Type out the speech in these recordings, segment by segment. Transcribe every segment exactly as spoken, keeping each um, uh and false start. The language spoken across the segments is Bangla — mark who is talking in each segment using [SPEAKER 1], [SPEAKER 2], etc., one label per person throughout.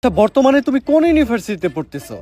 [SPEAKER 1] তা বর্তমানে তুমি কোন ইউনিভার্সিটিতে পড়তেছো?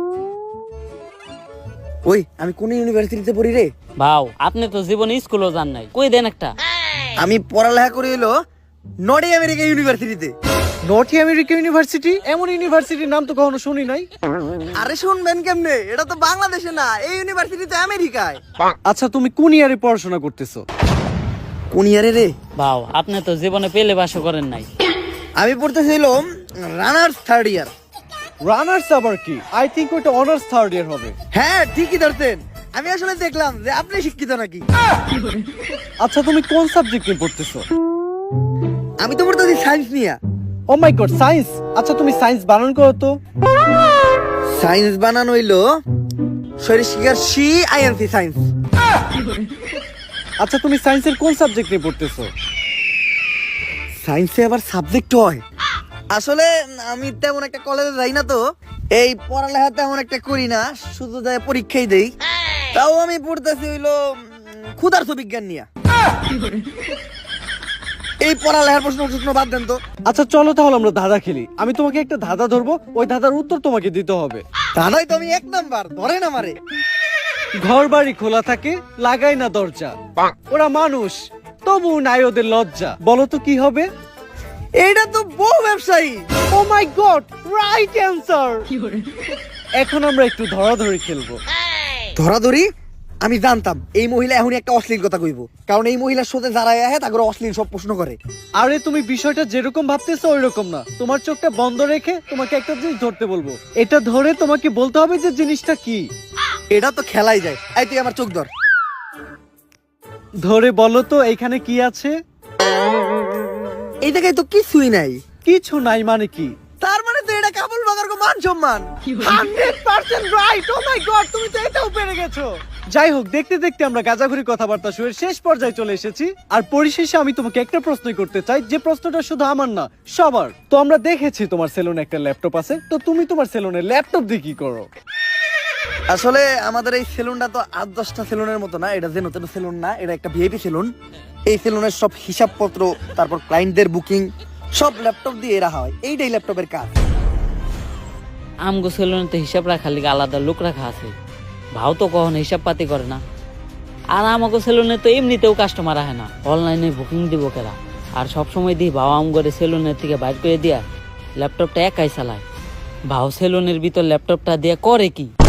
[SPEAKER 2] ওই আমি কোন ইউনিভার্সিটিতে পড়ি রে?
[SPEAKER 3] ভাও আপনি তো জীবনে স্কুলও যান নাই, কই দেন একটা।
[SPEAKER 2] আমি পড়ালেখা করি হলো নর্থ আমেরিকা ইউনিভার্সিটিতে।
[SPEAKER 1] North America university? এমন ইউনিভার্সিটির নাম তো কখনো শুনি নাই।
[SPEAKER 2] আরে শুনবেন কেমনে, এটা তো বাংলাদেশে না, এই ইউনিভার্সিটি তো আমেরিকায়।
[SPEAKER 1] আচ্ছা তুমি কোন ইয়ারে পড়াশোনা করতেছো?
[SPEAKER 2] কোন ইয়ারে রে?
[SPEAKER 3] ভাও আপনি তো জীবনে পেলে বাসও করেন নাই।
[SPEAKER 2] আমি পড়তেছিলাম রানার্স থার্ড ইয়ার।
[SPEAKER 1] রানার্স আবার কি? আই থিংক ওটা অনার্স থার্ড ইয়ার হবে।
[SPEAKER 2] হ্যাঁ ঠিকই ধরতেন, আমি আসলে দেখলাম যে আপনি শিক্ষিত নাকি।
[SPEAKER 1] আচ্ছা তুমি কোন সাবজেক্ট নিয়ে পড়তেছো?
[SPEAKER 2] আমি তো পড়তেছি সায়েন্স নিয়ে।
[SPEAKER 1] Oh my god, science. আচ্ছা তুমি সায়েন্স বানান করো তো।
[SPEAKER 2] সায়েন্স বানানো হইলো শরীর শিকার সি আইএনসি সায়েন্স।
[SPEAKER 1] আচ্ছা তুমি সায়েন্সের কোন সাবজেক্ট নিয়ে পড়তেছো?
[SPEAKER 2] সায়েন্সে আবার সাবজেক্ট হয়? আসলে আমি তেমন একটা কলেজে যাই না, তো এই পড়ালেখা তেমন একটা করি না, শুধু যাই পরীক্ষাই দেই। তাও আমি পড়তেছি হইলো ক্ষুধার্ত বিজ্ঞান নিয়ে। এই পড়ালেখার প্রশ্ন প্রশ্ন বাদ দেন তো।
[SPEAKER 1] আচ্ছা চলো তাহলে আমরা ধাঁধা খেলি। আমি তোমাকে একটা ধাঁধা ধরবো, ওই ধাঁধার উত্তর তোমাকে দিতে হবে।
[SPEAKER 2] দাদাই তো আমি এক নাম্বার, ধরে না মারে।
[SPEAKER 1] ঘর বাড়ি খোলা থাকে, লাগাই না দরজা, ওরা মানুষ তবু নাই ওদের লজ্জা। বলো তো কি হবে?
[SPEAKER 2] এইটা তো বউ ব্যবসায়ী।
[SPEAKER 1] Oh my god, right answer. এখন আমরা একটু ধরাধরি খেলবো।
[SPEAKER 2] ধরাধরি? আমি জানতাম এই মহিলা এখনই একটা অশ্লীল কথা কইব, কারণ এই মহিলার সাথে যারা আহে তাকে অশ্লীল সব প্রশ্ন করে।
[SPEAKER 1] আরে তুমি বিষয়টা যেরকম ভাবতেছো ওই রকম না। তোমার চোখটা বন্ধ রেখে তোমাকে একটা জিনিস ধরতে বলবো, এটা ধরে তোমাকে বলতে হবে যে জিনিসটা কি।
[SPEAKER 2] এটা তো খেলাই যায়। এই তুই আমার চোখ ধর।
[SPEAKER 1] ধরে বলো তো এখানে কি আছে?
[SPEAKER 2] এই জায়গায় তো কিছুই নাই।
[SPEAKER 1] কিছু নাই মানে কি?
[SPEAKER 2] তার মানে তো এটা কাবুল বাগার কো মান সম্মান।
[SPEAKER 1] Hundred percent right. Oh my god, তুমি তো এটাও পেরে গেছো। যাই হোক, দেখতে দেখতে আমরা গাজাঘুরি কথাবার্তা শুয়ে শেষ পর্যায়ে চলে এসেছি। আর পরিশেষে আমি তোমাকে একটা প্রশ্ন করতে চাই, যে প্রশ্নটা শুধু আমার না সবার। তো আমরা দেখেছি তোমার সেলুনে একটা ল্যাপটপ আছে, তো তুমি তোমার সেলুনে ল্যাপটপ দিয়ে কি করো?
[SPEAKER 2] আসলে আমাদের এই সেলুনটা তো আট দশটা সেলুনের মতো না, এটা যে নতুন সেলুন না, এটা একটা ভিআইপি সেলুন। এই সেলুনের সব হিসাবপত্র, তারপর ক্লায়েন্টদের বুকিং সব ল্যাপটপ দিয়ে রাখা হয়। এইটাই ল্যাপটপের কাজ।
[SPEAKER 3] আমগো সেলুনে তো হিসাব রাখার লিগে আলাদা লোক রাখা আছে, ভাও তো কখনো হিসাব পাতি করে না। আর আমাকে সেলুনে তো এমনিতেও কাস্টমার আহে না, অনলাইনে বুকিং দিব কেরা। আর সবসময় দিই ভাও আমগরে সেলুনের থেকে বাইর করে দিয়া ল্যাপটপটা একাই চালায়। ভাও সেলুনের ভিতর ল্যাপটপটা দিয়ে করে কি?